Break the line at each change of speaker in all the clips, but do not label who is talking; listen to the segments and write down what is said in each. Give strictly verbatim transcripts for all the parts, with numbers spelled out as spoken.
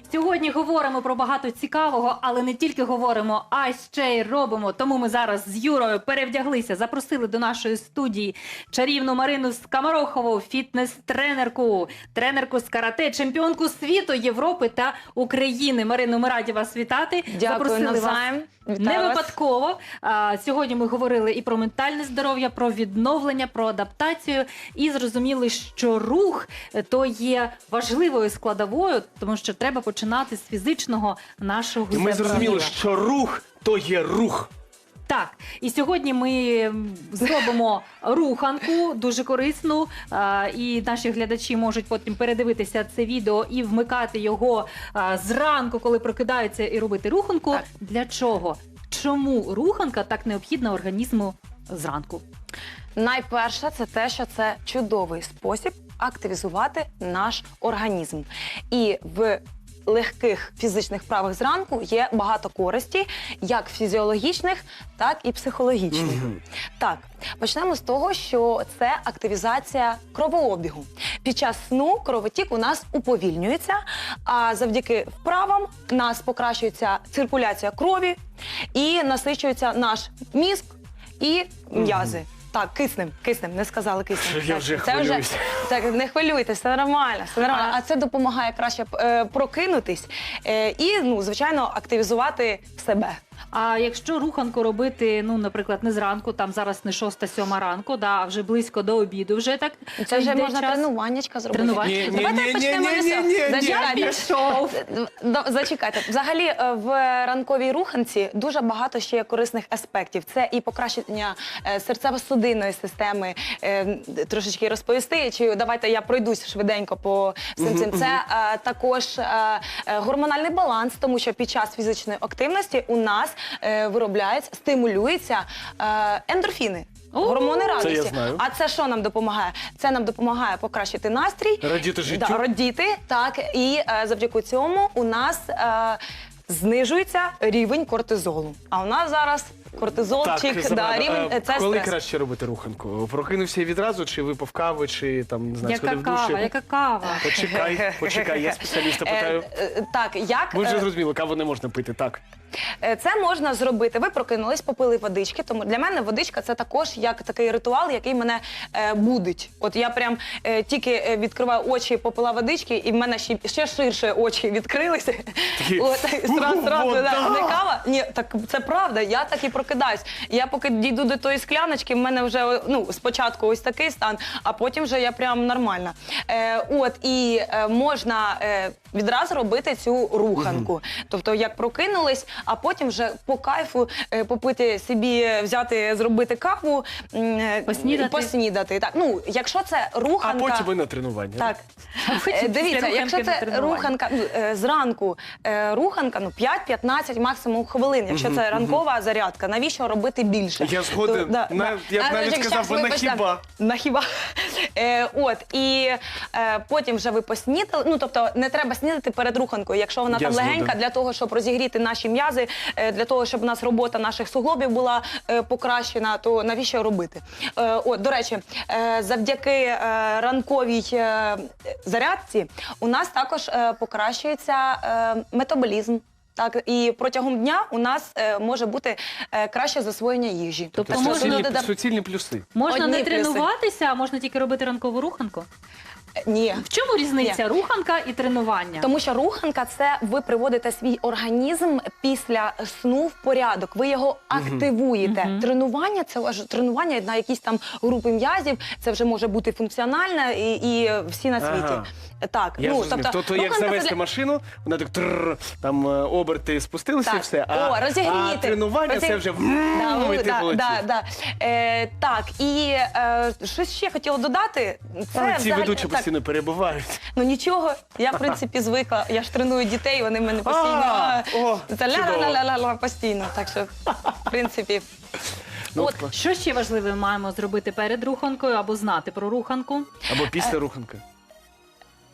Сьогодні говоримо про багато цікавого, але не тільки говоримо, а ще й робимо. Тому ми зараз з Юрою перевдяглися, запросили до нашої студії чарівну Марину Скоморохову, фітнес-тренерку, тренерку з карате, чемпіонку світу, Європи та України. Марину, ми раді вас вітати.
Дякую, навзаєм.
Не випадково. А, сьогодні ми говорили і про ментальне здоров'я, про відновлення, про адаптацію. І зрозуміли, що рух – то є важливою складовою, тому що треба починати з фізичного нашого
І ми
здоров'я.
зрозуміли, що рух – то є рух.
Так, і сьогодні ми зробимо руханку, дуже корисну, а, і наші глядачі можуть потім передивитися це відео і вмикати його а, зранку, коли прокидаються, і робити руханку.
Так.
Для чого? Чому руханка так необхідна організму зранку?
Найперше, це те, що це чудовий спосіб активізувати наш організм. І в легких фізичних вправах зранку є багато користі, як фізіологічних, так і психологічних.
Мгм.
Так, почнемо з того, що це активізація кровообігу. Під час сну кровотік у нас уповільнюється, а завдяки вправам у нас покращується циркуляція крові і насичується наш мізк і м'язи. Так, киснем, киснем, не сказали киснем.
Я
Так,
вже
це
хвилююсь.
так, не хвилюйтесь, все нормально, все нормально. А це допомагає краще е, прокинутись е, і, ну, звичайно, активізувати себе.
А якщо руханку робити, ну, наприклад, не зранку, там зараз не шоста-сьома ранку, да, а вже близько до обіду, вже так
Це вже
йде
можна
час.
тренуваннячка зробити.
Тренування?
Ні, ні,
Давайте
ні,
почнемо
ні,
з
ні,
цього.
ні, ні,
Зачекайте.
ні.
Пішов.
До- Зачекайте. Взагалі е, в ранковій руханці дуже багато ще є корисних аспектів. Це і покращення е, серцево-судинної системи, е, трошечки розповісти, чи давайте я пройдусь швиденько по всім цим. Це е, також е, е, гормональний баланс, тому що під час фізичної активності у нас е, виробляється, стимулюються е, ендорфіни.
О,
Гормони
це
радості.
я знаю.
А це що нам допомагає? Це нам допомагає покращити настрій,
Радіти життю.
Да, радіти, так, і е, завдяки цьому у нас е, знижується рівень кортизолу. А у нас зараз кортизолчик, да,
Самара,
рівень
а
е, це
коли
стрес.
краще робити руханку? Прокинувся відразу, чи випив кави, чи там, не знаю,
Яка
сходив в
кава,
душ?
яка кава.
Почекай, почекай, я спеціаліста питаю.
Е, е, так, як
Ви вже
е,
зрозуміли, каву не можна пити, так.
Е, Це можна зробити. Ви прокинулись, попили водички. Тому для мене водичка це також як такий ритуал, який мене е, будить. От я прям е, тільки е, відкриваю очі, попила водички, і в мене ще, ще ширше очі відкрилися.
Такі,
От, і зразу, зразу,
вода!
да, не кава. Ні, так це правда. Я так і прокидаюсь. Я поки дійду до тої скляночки, в мене вже ну спочатку ось такий стан, а потім вже я прям нормальна. Е, от і е, можна е, відразу робити цю руханку. Тобто, як прокинулись, а потім вже по кайфу е, попити собі, взяти, зробити каву, м, е,
Поснідати.
поснідати. Так, ну, якщо це
А
руханка...
потім і на тренування.
Так.
потім
Е,
після
Дивіться,
руханки
якщо
на
це
тренування.
руханка ну, е, зранку, е, руханка, ну, п'ять-п'ятнадцять максимум хвилин, якщо це ранкова зарядка, навіщо робити більше?
Я згоден.
То, да,
На-
да.
я б
А,
навіть
чекай,
сказав би, на
вибачте.
хіба.
На хіба. Е, от, і е, потім вже ви поснідали, ну, тобто не треба снідати перед руханкою, якщо вона
Я
там легенька,
згоден.
для того, щоб розігріти наші м'язи, е, для того, щоб у нас робота наших суглобів була е, покращена, то навіщо робити? Е, от, до речі, е, завдяки е, ранковій е, зарядці у нас також е, покращується е, метаболізм. Так, і протягом дня у нас е, може бути е, краще засвоєння їжі.
Тобто
Це
можна
суцільні,
додати-
суцільні плюси.
Можна
Одні
не
плюси.
тренуватися, а можна тільки робити ранкову руханку?
Ні.
В чому різниця руханка і тренування?
Тому що руханка – це ви приводите свій організм після сну в порядок, ви його активуєте.
Мгм.
Тренування – це вже тренування на якісь там групи м'язів, це вже може бути функціональне і, і всі на світі.
Ага.
Так,
Я
ну,
зрозумів. Тобто, як
руханка це
завести
для-
машину, вона так трррр, там е, оберти спустилися і
Так.
все. А,
О, розігріти.
а тренування
Розі-
це вже
Да,
вм,
ну,
і ти
да,
полетів.
да, да. Е, так, і е, щось ще хотіла додати. Це
А, ці
взагалі-
ведучі
так,
постійно перебувають.
Ну нічого, я в принципі звикла. Я ж треную дітей, вони в мене постійно
А, о,
це
чудово.
ля-ля-ля-ля постійно. Так що, в принципі,
Ну,
от
клас.
Що ще важливе маємо зробити перед руханкою або знати про руханку?
Або після руханки.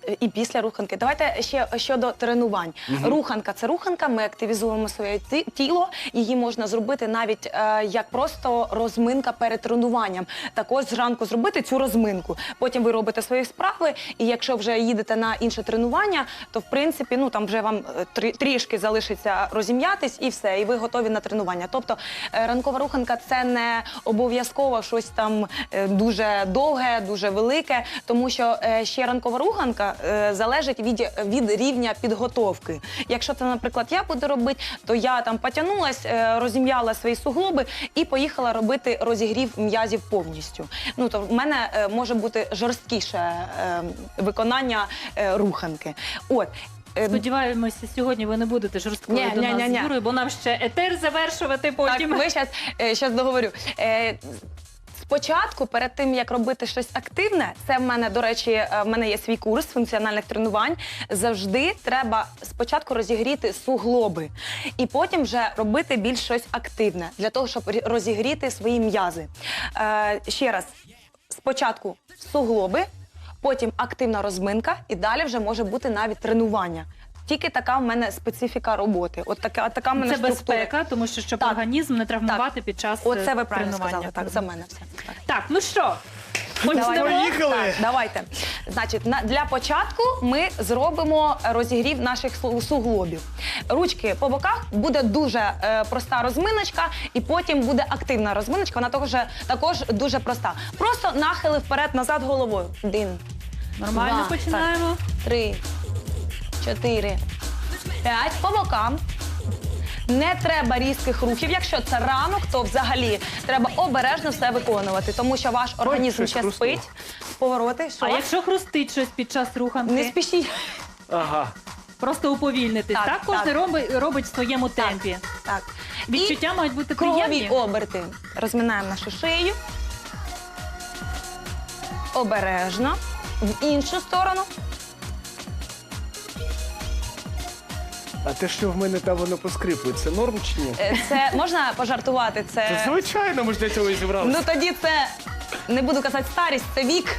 і після руханки. Давайте ще щодо тренувань. Руханка – це руханка, ми активізуємо своє ті- тіло. Її можна зробити навіть е, як просто розминка перед тренуванням. Також зранку зробити цю розминку. Потім ви робите свої справи, і якщо вже їдете на інше тренування, то в принципі, ну там вже вам е, трі- трішки залишиться розім'ятись і все, і ви готові на тренування. Тобто е, ранкова руханка – це не обов'язково щось там е, дуже довге, дуже велике, тому що е, ще ранкова руханка е, залежить від, від рівня підготовки. Якщо це, наприклад, я буду робити, то я там потягнулась, е, розім'яла свої суглоби і поїхала робити розігрів м'язів повністю. Ну, то в мене е, може бути жорсткіше е, виконання е, руханки. От. Е,
Сподіваємося, сьогодні ви не будете жорсткою
Ні,
до
ні,
нас
ні, ні.
з Юрою, бо нам ще етер завершувати
Так,
потім.
ми зараз щас договорю. Е, Спочатку, перед тим, як робити щось активне, це в мене, до речі, е, в мене є свій курс функціональних тренувань, завжди треба спочатку розігріти суглоби і потім вже робити більш щось активне, для того, щоб рі- розігріти свої м'язи. Е, ще раз, спочатку суглоби, потім активна розминка і далі вже може бути навіть тренування. Тільки така в мене специфіка роботи. От така, така в мене
Це
структура.
безпека, тому що щоб
Так.
організм не травмувати під час е,
Оце ви правильно
тренування.
сказали. Так, за мене все. Так.
Так, ну що,
Давайте.
Поїхали!
Так, давайте. Значить, на, для початку ми зробимо розігрів наших су- суглобів. Ручки по боках, буде дуже е, проста розминочка, і потім буде активна розминочка, вона також, також дуже проста. Просто нахили вперед-назад головою. Один,
нормально
Два.
починаємо.
три, чотири, п'ять. По бокам. Не треба різких рухів. Якщо це ранок, то взагалі треба обережно все виконувати, тому що ваш організм
щось
ще
хрустнуло.
спить. Повороти, що?
А якщо хрустить щось під час руханки,
Не спішіть.
Ага.
просто уповільнитись. Так,
Так,
кожен
так.
робить, робить в своєму
Так.
темпі.
Так.
Відчуття мають бути
І кругові
приємні.
оберти. Розминаємо нашу шию. Обережно. В іншу сторону.
А те, що в мене там воно поскрипує, це норм чи ні?
Е, Це можна пожартувати?
Та
Це
звичайно, ми ж для цього і
ну
зібралися.
тоді це не буду казати старість, це вік.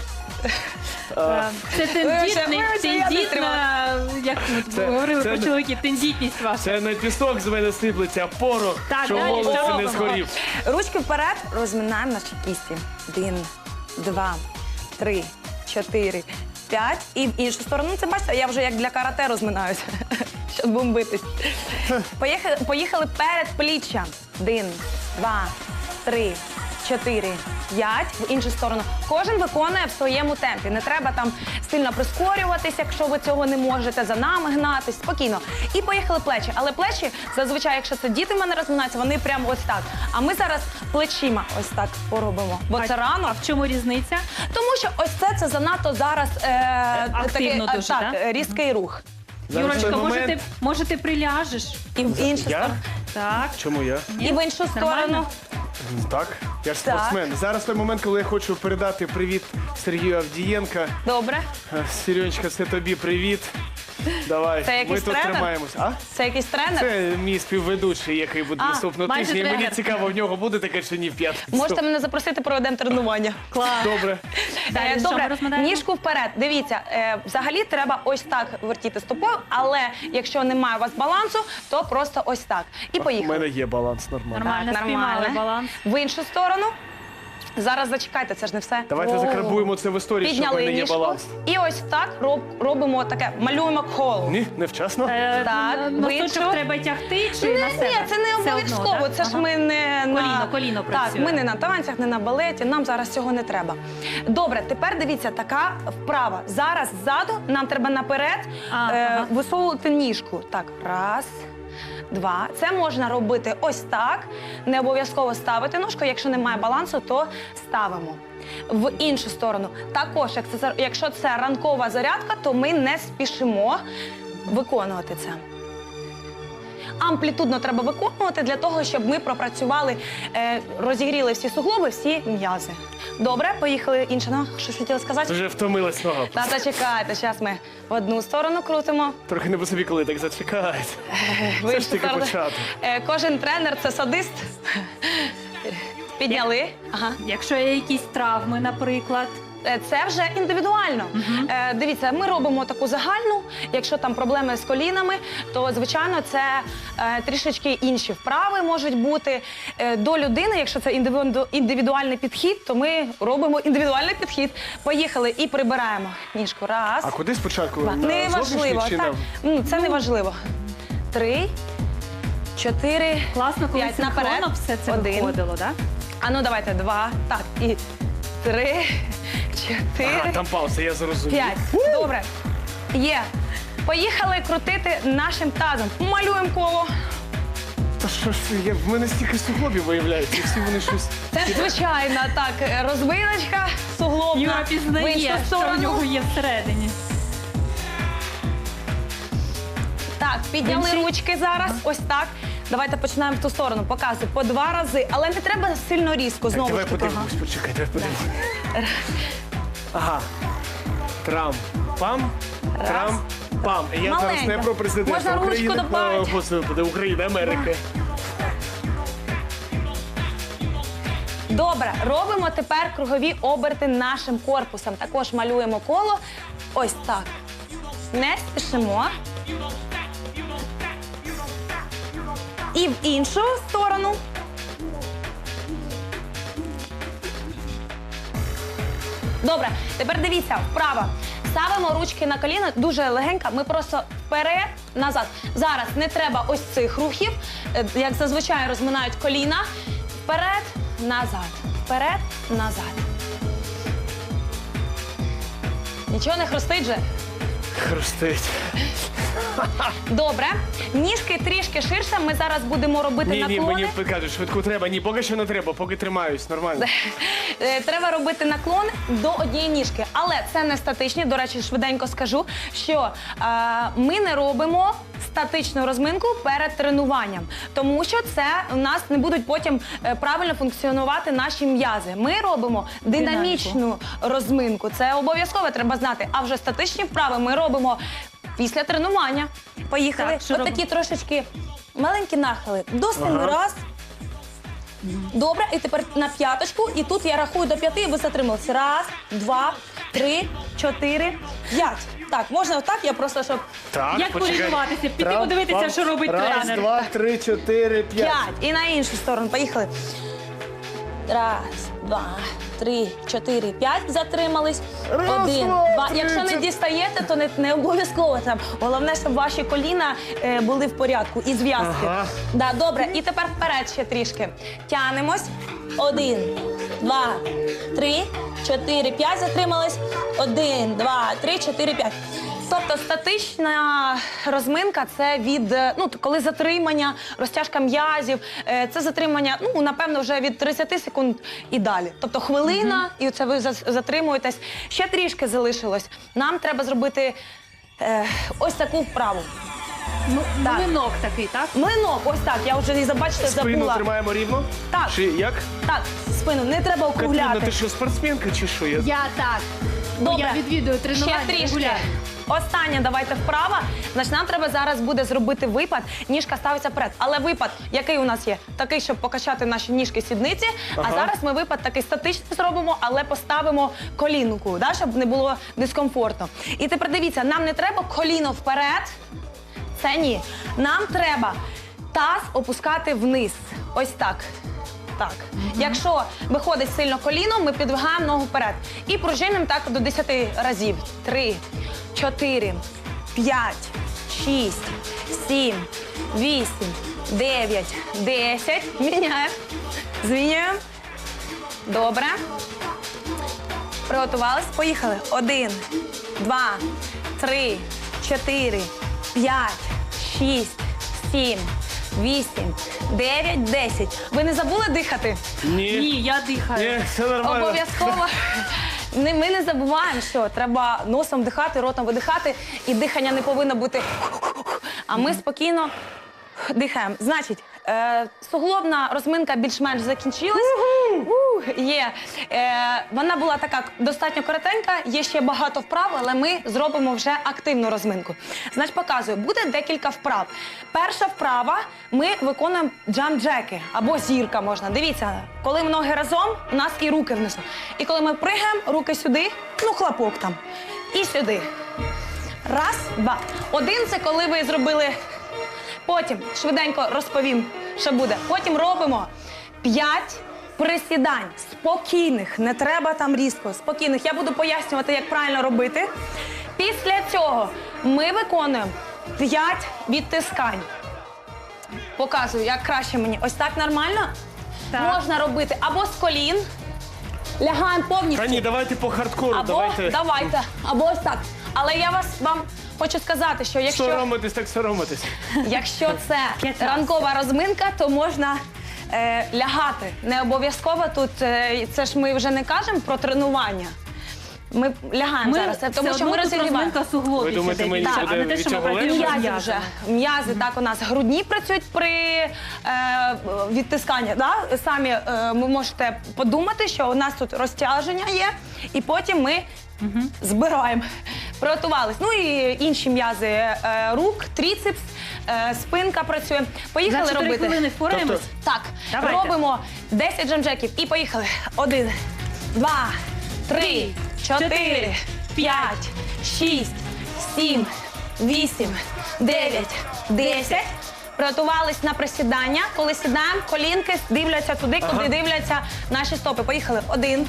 Е, Це тендітний,
вибачте, я не
тендітна, як ми
Це-
говорили
це
про
не-
чоловіків, тендітність ваша.
Це не пісок з мене сиплеться, а порох,
Так,
що
далі
волосся
що
не
робимо?
згорів.
Ручки вперед, розминаємо наші кісті. Один, два, три, чотири, п'ять. І в іншу сторону. Це бачите, я вже як для карате розминаюся, щоб бомбитись. Поїхали, поїхали перед пліччя. Один, два, три, чотири, п'ять. В іншу сторону. Кожен виконує в своєму темпі. Не треба там сильно прискорюватись, якщо ви цього не можете, за нами гнатись. Спокійно. І поїхали плечі. Але плечі, зазвичай, якщо це діти в мене розминаються, вони прямо ось так. А ми зараз плечима ось так поробимо. Бо це рано.
А в чому різниця?
Тому що ось це, це занадто зараз е,
Активно
такий, е,
дуже,
так,
да?
е, різкий рух.
Зараз
Юрочка,
той
може
момент-
ти, може ти приляжеш?
І в іншу
Я?
сторону.
Так.
Чому я?
І в іншу
Нормально?
сторону.
Так, я ж
Так.
спортсмен. Зараз той момент, коли я хочу передати привіт Сергію Авдієнка.
Добре.
Е, Сережечка, це тобі привіт. Давай,
Це
ми
якийсь
тут
тренер?
тримаємось. А?
Це якийсь тренер?
Це мій співведучий, який буде
А,
наступного
майже
тижня. І мені
тренер.
цікаво, в нього буде таке чи ні в п'ятницю.
Можете мене запросити, проведемо тренування.
Клас.
Добре.
Далі
Е,
що
Добре,
ми розминаємо?
ніжку вперед. Дивіться, е, взагалі треба ось так вертіти стопою, але якщо немає у вас балансу, то просто ось так. І
У
поїхали.
мене є баланс нормально.
Нормально
Так,
спіймали
нормально.
баланс.
В іншу сторону. Зараз зачекайте, це ж не все.
Давайте
О.
закарбуємо це в історії, що в
Підняли
мене є
ніжку.
баланс.
І ось так роб, робимо таке, малюємо коло.
Ні, невчасно.
Е,
Так,
н- Носочок
вийшов.
треба тягти чи
Ні,
на себе?
ні, це не
Все одно,
обов'язково.
так?
Це ж
Ага.
ми не на
Коліно, коліно
Так,
працює.
ми не на танцях, не на балеті. Нам зараз цього не треба. Добре, тепер дивіться, така вправа. Зараз ззаду нам треба наперед
А,
е,
ага.
висовувати ніжку. Так, раз. Два. Це можна робити ось так. Не обов'язково ставити ножку. Якщо немає балансу, то ставимо. В іншу сторону. Також, як це- якщо це ранкова зарядка, то ми не спішимо виконувати це. Амплітудно треба виконувати для того, щоб ми пропрацювали, е, розігріли всі суглоби, всі м'язи. Добре, поїхали інша нога. Щось хотіла сказати?
Вже втомилась нога.
Та зачекайте, зараз ми в одну сторону крутимо.
Трохи не по собі, коли так зачекають.
В
Це
іншу
ж тільки
сторону.
початок.
Е, Кожен тренер це садист. Підняли. Ага.
Якщо є якісь травми, наприклад,
е, це вже індивідуально. Е, Дивіться, ми робимо таку загальну. Якщо там проблеми з колінами, то звичайно це е, трішечки інші вправи можуть бути. Е, до людини, якщо це індивіду- індивідуальний підхід, то ми робимо індивідуальний підхід. Поїхали і прибираємо ніжку. Раз.
А куди спочатку?
Два.
На
Неважливо.
зовнішній чи
Так.
на-
Ну, це не важливо. Три, чотири,
Класно, коли
п'ять. Наперед.
синхронно все це
Один.
виходило, так?
А ну давайте два. Так, і три, чотири,
Ага, там пауза, я зрозумів.
п'ять. Добре. Є. Поїхали крутити нашим тазом. Малюємо коло.
Та що ж, я, в мене стільки суглобів виявляється, і всі вони щось...
Це звичайна так, розбилочка суглобна.
Юра
в
пізнає,
іншу
що в
сторону.
нього є всередині.
Так, підняли
Інший?
ручки зараз. Ось так. Давайте починаємо в ту сторону. Показую по два рази, але не треба сильно різко.
Так,
Знову
давай
ж таки.
подивимось, почекай, давай подивимось. Ага. Трам, пам, трам, пам. І я зараз не
Маленько.
про президента
Можна ручку
України,
добавити.
о, Господи, України, Америки.
Добре, робимо тепер кругові оберти нашим корпусом. Також малюємо коло. Ось так. Не спішимо. І в іншу сторону. Добре, тепер дивіться, вправо. Ставимо ручки на коліна, дуже легенько, ми просто вперед, назад. Зараз не треба ось цих рухів, е, як зазвичай розминають коліна. Вперед, назад, вперед, назад. Нічого не хрустить же?
Хрустить.
Добре. Ніжки трішки ширше, ми зараз будемо робити
Ні, ні,
наклони.
мені кажуть, швидку треба. Ні, поки що не треба, поки тримаюсь, нормально.
Е, Треба робити наклон до однієї ніжки. Але це не статичні. До речі, швиденько скажу, що е, ми не робимо статичну розминку перед тренуванням, тому що це у нас не будуть потім е, правильно функціонувати наші м'язи. Ми робимо динамічну розминку. Це обов'язково треба знати. А вже статичні вправи ми робимо після тренування. Поїхали.
Так, що
Ось такі трошечки маленькі нахили. До семи
Ага.
раз. Добре, і тепер на п'яточку. І тут я рахую до п'яти, і ви затрималися. Раз, два, три, чотири, п'ять. Так, можна отак, я просто, щоб
Так,
Як
почекай.
порівнюватися? Піти
Трам,
подивитися,
пам.
що робить
Раз,
тренер.
два, три, чотири, п'ять.
п'ять. І на іншу сторону. Поїхали. Раз, два, три, чотири, п'ять. Затримались.
Раз,
Один,
два,
два.
три,
Якщо не
чотири.
дістаєте, то не, не обов'язково там. Головне, щоб ваші коліна е, були в порядку і зв'язки.
Ага.
Да, добре. І тепер вперед ще трішки. Тянемось. Один, два, три, чотири, п'ять. Затримались. Один, два, три, чотири, п'ять. Тобто статична розминка це від, е, ну, коли затримання, розтяжка м'язів, е, це затримання, ну, напевно, вже від тридцяти секунд і далі. Тобто хвилина, і це ви за- затримуєтесь. Ще трішки залишилось. Нам треба зробити е, ось таку вправу.
Ну,
Так.
млинок такий, так?
Млинок, ось так, я вже і забачите,
Спину
забула.
тримаємо рівно?
Так.
Чи як?
Так, спину, не треба
Катерина,
округляти.
ти що, спортсменка чи що? Я...
Я так. Бо
Добре.
Я відвідую тренування
Ще трішки.
регулярно.
Остання давайте вправа. Значить, нам треба зараз буде зробити випад. Ніжка ставиться вперед. Але випад, який у нас є? Такий, щоб покачати наші ніжки сідниці.
Ага.
А зараз ми випад такий статичний зробимо, але поставимо колінку, да, щоб не було дискомфортно. І тепер дивіться, нам не треба коліно вперед. Це ні. Нам треба таз опускати вниз. Ось так. Так. Якщо виходить сильно коліно, ми підвигаємо ногу вперед. І пружинимо так до десяти разів. Три, чотири, п'ять, шість, сім, вісім, дев'ять, десять. Міняємо. Змінюємо. Добре. Приготувались. Поїхали. Один, два, три, чотири, п'ять, шість, сім, вісім, дев'ять, десять. Ви не забули дихати?
Ні.
Ні, я дихаю.
Ні, все нормально.
Обов'язково. Не- Ми не забуваємо, що треба носом дихати, ротом видихати, і дихання не повинно бути. А ми спокійно дихаємо. Значить, Е, суглобна розминка більш-менш закінчилась. Ух, є. Е, вона була така достатньо коротенька, є ще багато вправ, але ми зробимо вже активну розминку. Значить, показую, буде декілька вправ. Перша вправа, ми виконуємо джамп-джеки або зірка можна. Дивіться, коли ноги разом, у нас і руки внизу. І коли ми пригаємо, руки сюди, ну хлопок там, і сюди. Раз, два. Один – це коли ви зробили. Потім швиденько розповім, що буде. Потім робимо п'ять присідань. Спокійних, не треба там різко. Спокійних. Я буду пояснювати, як правильно робити. Після цього ми виконуємо п'ять відтискань. Показую, як краще мені. Ось так нормально?
Так.
Можна робити або з колін. Лягаємо повністю.
Та ні, давайте по хардкору,
Або
давайте.
давайте, або ось так. Але я вас вам хочу сказати, що якщо,
Соромитись, так соромитись.
якщо це
П'ятнадцять.
ранкова розминка, то можна е, лягати. Не обов'язково тут, е, це ж ми вже не кажемо про тренування. Ми лягаємо
Ми
зараз, це тому
все
що ми
одно тут
розігріваємо.
розминка суглобів.
Ви думаєте,
іде,
мені
дівчата,
буде
а не те,
від
що ми
цього
працюємо
легше?
з
М'язи вже.
м'язами.
М'язи так у нас грудні працюють при е, відтисканні. Да? Самі е, ви можете подумати, що у нас тут розтяження є, і потім ми збираємо. Приготувались. Ну і інші м'язи е, рук, тріцепс, е, спинка працює.
За
Поїхали
чотири
робити.
хвилини впораємось?
Тобто-
Так,
Давайте.
робимо десять джамджеків і поїхали. Один, два, три, чотири, п'ять, шість, сім, вісім, дев'ять, десять. Приготувались на присідання. Коли сідаємо, колінки дивляться туди,
Ага.
куди дивляться наші стопи. Поїхали. Один,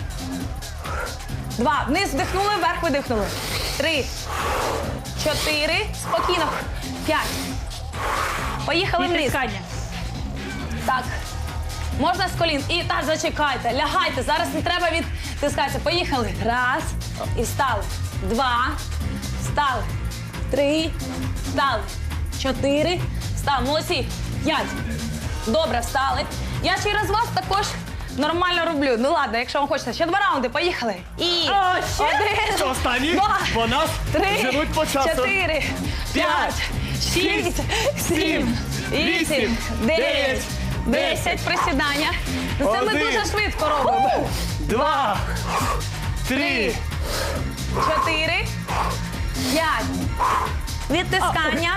два. Вниз вдихнули, вверх видихнули. Три, чотири. Спокійно. П'ять. Поїхали вниз.
Відтискання.
Так. Можна з колін. І так, зачекайте, лягайте. Зараз не треба відтискатися. Поїхали. Раз. І встали. Два. Встали. Три. Встали. Чотири. Встали. Молодці. П'ять. Добре, встали. Я через вас також нормально роблю. Ну ладно, якщо вам хочеться. Ще два раунди. Поїхали. І
О, ще?
один.
Останні,
Два.
бо нас
Три,
женуть по часу.
чотири, п'ять, шість, сім, вісім, дев'ять, десять. Присідання. Ну, це ми
Один.
дуже швидко робимо.
Два, три,
Чотири, п'ять. Відтискання.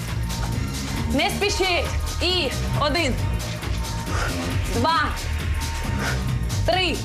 Не спішіть. І один, два, три,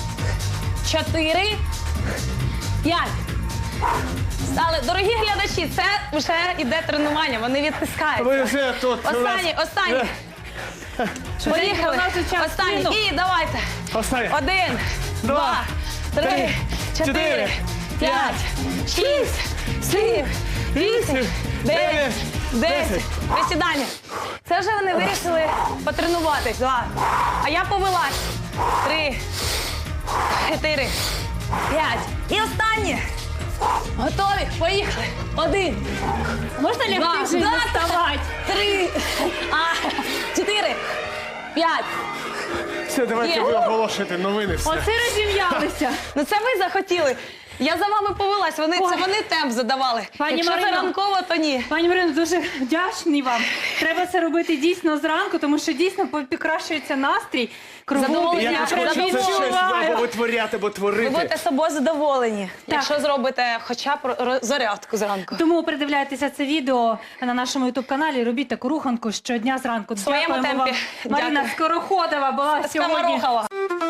чотири, п'ять. Стали. Дорогі глядачі, це вже іде тренування, вони відтискаються.
ви вже тут. у нас-
Останній, останній.
Е,
Поїхали.
у нас же час
Останній.
кинув.
І давайте.
Останній.
Один,
Два,
два, три,
три,
чотири,
чотири,
п'ять, шість, сім, вісім, дев'ять, десять. Присідання. Це вже вони вирішили потренуватись. Два. А я повелась. Три, чотири, п'ять. І останнє. Готові? Поїхали. Один.
Можна лягти
Два,
вже і не
два,
вставати?
Три, а, чотири, п'ять.
Все, давайте
Є.
ви оголошуєте новини. Все.
Оце розім'ялися.
Ну це ви захотіли. Я за вами повелась, вони, це
Ой.
вони темп задавали.
Пані
Якщо це
Марино.
ранково, то ні.
Пані Марино, дуже вдячні вам. Треба це робити дійсно зранку, тому що дійсно покращується настрій. Кругом
Задоволення.
Я
я
теж
прям
хочу це щось
відчуваю.
або витворяти, або
Ви
творити.
будете собою задоволені, якщо зробите хоча б ро- зарядку зранку.
Тому передивляйтеся це відео на нашому ютуб-каналі. Робіть таку руханку щодня зранку.
своєму
Дякуємо
темпі.
вам. Марина
Дякую.
Скороходова була сьогодні.
Скоморохова.